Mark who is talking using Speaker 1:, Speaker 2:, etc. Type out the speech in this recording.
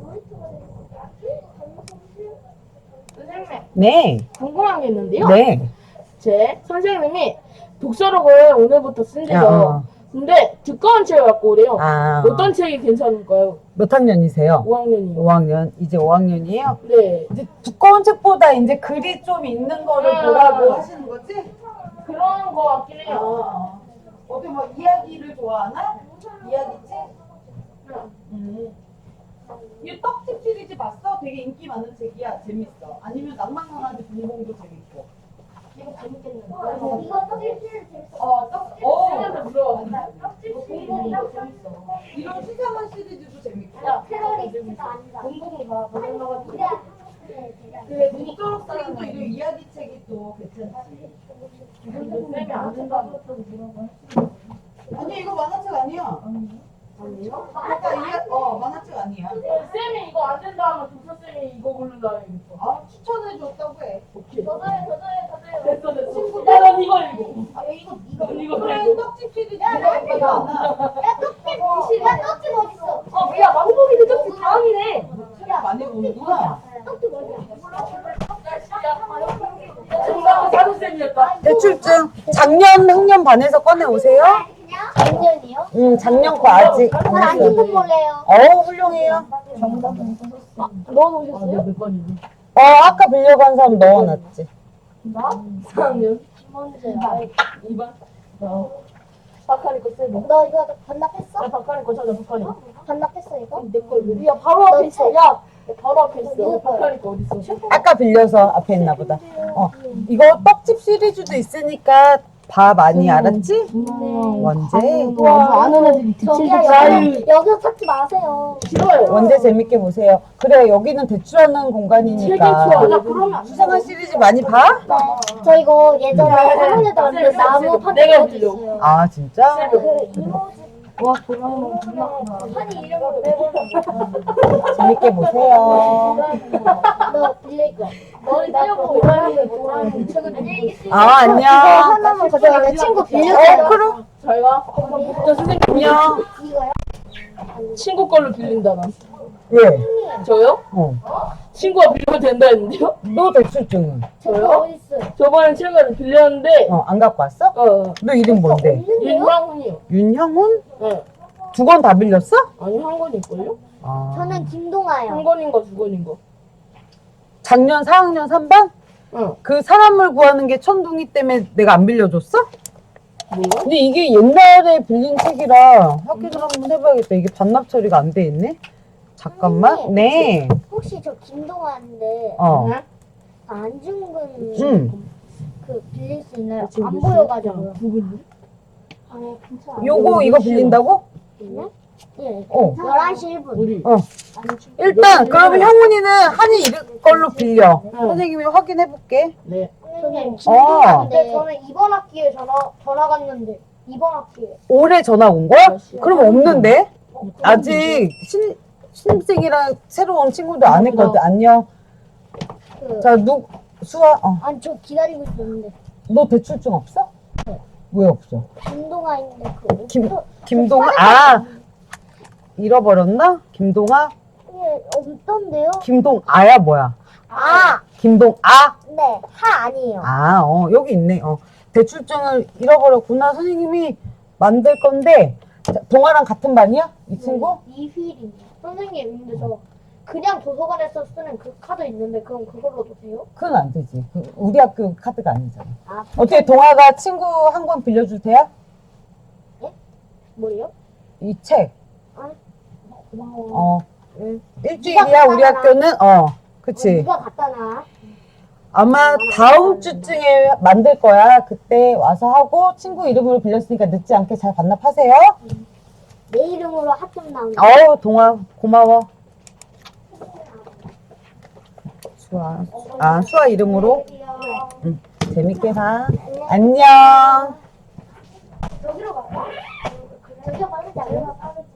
Speaker 1: 선생님,
Speaker 2: 네.
Speaker 1: 궁금한 게 있는데요.
Speaker 2: 네.
Speaker 1: 제 선생님이 독서록을 오늘부터 쓴대요.
Speaker 2: 어.
Speaker 1: 근데 두꺼운 책을 갖고 오래요.
Speaker 2: 아.
Speaker 1: 어떤 책이 괜찮을까요?
Speaker 2: 몇 학년이세요?
Speaker 1: 5학년이요.
Speaker 2: 5학년. 이제 5학년이에요?
Speaker 1: 네.
Speaker 2: 이제 두꺼운 책보다 이제 글이 좀 있는 거를 보라고 하시는 거지?
Speaker 1: 그런 거 같긴 해요.
Speaker 2: 어디 뭐 이야기를 좋아하나? 이야기책? 이 떡집 시리즈 봤어? 되게 인기 많은 책이야. 재밌어. 아니면 낭만강아지 분봉도 재밌고.
Speaker 1: 이거 재밌겠는데.
Speaker 3: 이거 떡집 재밌어.
Speaker 2: 떡집.
Speaker 1: 책에서 물어.
Speaker 3: 떡집
Speaker 1: 공공이도 재밌어.
Speaker 2: 이런 수상한 시리즈도 재밌고.
Speaker 1: 야,
Speaker 3: 테러리스트가 아니다.
Speaker 1: 공공이 봐. 너무
Speaker 2: 그래, 눈도록 쓰기도 이런 이야기책이 또 괜찮지.
Speaker 1: 쌤이 안 된다고
Speaker 2: 아니, 이거 만화책 아니야.
Speaker 1: 아니요?
Speaker 2: 만화책 아니야.
Speaker 1: 쌤이 이거 안 된다 하면 독서쌤이 이거 고른다 해야겠어.
Speaker 2: 아, 추천해줬다고 해.
Speaker 1: 오케이.
Speaker 3: 저도요.
Speaker 1: 됐어, 됐어. 야, 난 이거 읽어.
Speaker 3: 아, 이거
Speaker 1: 난 이거
Speaker 2: 그래,
Speaker 1: 읽어.
Speaker 2: 떡집 시리즈
Speaker 3: 야, 나 이거
Speaker 2: 재밌지 않아.
Speaker 3: 야, 떡집 어딨어?
Speaker 1: 야, 망고기도 떡집 다음이네.
Speaker 2: 책 많이 보는구나.
Speaker 3: 떡집 어디야?
Speaker 1: 정답은 사도쌤이었다.
Speaker 2: 대출증 작년 학년 반에서 꺼내 오세요.
Speaker 3: 작년이요?
Speaker 2: 작년 거 아직.
Speaker 3: 안 찍은 몰래요.
Speaker 2: 훌륭해요.
Speaker 1: 너는 오셨어요? 몇 번이니?
Speaker 2: 아까 빌려고 한 사람 넣어놨지.
Speaker 1: 나? 4학년.
Speaker 3: 먼저.
Speaker 1: 2번. 박하리 거 쌤.
Speaker 3: 너 이거 반납했어?
Speaker 1: 야, 박하리 거 찾아, 박하리.
Speaker 3: 반납했어 이거?
Speaker 1: 내걸 왜? 야, 바로 앞에 있어. 야, 바로 앞에 있어.
Speaker 3: 누구 거야?
Speaker 1: 박하리 거 어딨어?
Speaker 2: 아까 빌려서 앞에 있나 보다. 이거 떡집 시리즈도 있으니까 봐 많이 알았지? 원제.
Speaker 1: 와, 아는 애들이
Speaker 3: 저기야 여기서 찾지 마세요.
Speaker 1: 싫어요.
Speaker 2: 원제 재밌게 보세요. 그래, 여기는 대출하는
Speaker 1: 책이
Speaker 2: 공간이니까.
Speaker 1: 좋아. 나 그러면 안 돼.
Speaker 2: 수상한 시리즈 많이 봐?
Speaker 3: 저 이거 예전에 학원에도 왔는데 나무 판
Speaker 1: 내가
Speaker 3: 있어요.
Speaker 2: 아, 진짜?
Speaker 3: 그 이모지
Speaker 1: 와, 도라에몽 존나
Speaker 3: 판이 이름으로 내보는
Speaker 2: 재밌게 보세요.
Speaker 3: 너 빌릴 거.
Speaker 1: 머리 떼려고 도라에몽 책을
Speaker 3: 안녕히 계세요.
Speaker 2: 안녕.
Speaker 3: 이거 하나만 가져가. 내 친구 빌려줘요.
Speaker 2: 그럼.
Speaker 1: 잘 가. 저 선생님
Speaker 2: 안녕.
Speaker 3: 이거요?
Speaker 1: 친구 걸로 빌린다 난.
Speaker 2: 예.
Speaker 1: 저요? 친구가 빌려도 된다 했는데요?
Speaker 2: 너 대출증은?
Speaker 3: 저거 어디 있어요?
Speaker 1: 저번에 책을 빌렸는데
Speaker 2: 안 갖고 왔어? 너 이름 뭔데?
Speaker 3: 없는데요?
Speaker 1: 윤상훈이요.
Speaker 2: 윤형훈?
Speaker 1: 네.
Speaker 2: 두 권 다 빌렸어?
Speaker 1: 아니 한 권일걸요?
Speaker 3: 저는
Speaker 1: 한
Speaker 3: 김동아요.
Speaker 1: 권인가 두 권인가?
Speaker 2: 작년 4학년 3반?
Speaker 1: 응.
Speaker 2: 그 사람을 구하는 게 천둥이 때문에 내가 안 빌려줬어?
Speaker 1: 뭐야?
Speaker 2: 근데 이게 옛날에 빌린 책이라 확인을 한번 해봐야겠다. 이게 반납 처리가 안 돼 있네? 잠깐만.
Speaker 3: 선생님.
Speaker 2: 네.
Speaker 3: 혹시 저 김동아인데
Speaker 1: 네?
Speaker 3: 안중근
Speaker 2: 응.
Speaker 3: 그 빌릴 수 있나요?
Speaker 1: 지금
Speaker 3: 안
Speaker 1: 몇
Speaker 3: 보여가지고요.
Speaker 1: 두 분이?
Speaker 3: 아니 괜찮아.
Speaker 2: 요거 이거 빌린다고?
Speaker 3: 네? 예.
Speaker 2: 어.
Speaker 3: 11시 1분.
Speaker 1: 우리
Speaker 2: 일단 그러면 형훈이는 한이 이름 걸로 빌려.
Speaker 1: 응.
Speaker 2: 선생님이 확인해볼게.
Speaker 1: 네.
Speaker 3: 선생님
Speaker 2: 어.
Speaker 3: 김동아인데 저는 이번 학기에 전화 갔는데 이번 학기에
Speaker 2: 올해 전화 온 거야? 그럼 없는데? 아직 신입생이랑 새로 온 친구들 안 했거든. 안녕.
Speaker 3: 그
Speaker 2: 자, 수아,
Speaker 3: 아니 저 기다리고 있었는데
Speaker 2: 너 대출증 없어? 왜 없어?
Speaker 3: 김동아인데 그
Speaker 2: 김동아? 잃어버렸나? 김동아?
Speaker 3: 예, 없던데요?
Speaker 2: 김동아야 뭐야?
Speaker 3: 아,
Speaker 2: 김동아?
Speaker 3: 네, 하 아니에요.
Speaker 2: 여기 있네. 대출증을 잃어버렸구나. 선생님이 만들 건데, 자, 동아랑 같은 반이야? 이 친구?
Speaker 3: 이휘리입니다. 선생님, 근데 저 그냥 도서관에서 쓰는 그 카드 있는데 그럼 그걸로도 돼요?
Speaker 2: 그건 안 되지. 우리 학교 카드가 아니잖아.
Speaker 3: 아,
Speaker 2: 어떻게 동아가 친구 한 권 빌려줄 테야?
Speaker 3: 뭐예요?
Speaker 2: 이 책.
Speaker 3: 고마워.
Speaker 2: 일주일이야, 우리 학교는? 그치.
Speaker 3: 누가 갖다 놔?
Speaker 2: 아마 다음 주쯤에 만들 거야. 그때 와서 하고 친구 이름으로 빌렸으니까 늦지 않게 잘 반납하세요.
Speaker 3: 내 이름으로 합격 나온다.
Speaker 2: 동아 고마워. 수아 이름으로. 재밌게 봐. 안녕.
Speaker 3: 여기로 갈까? 저기가 빠르지 않나?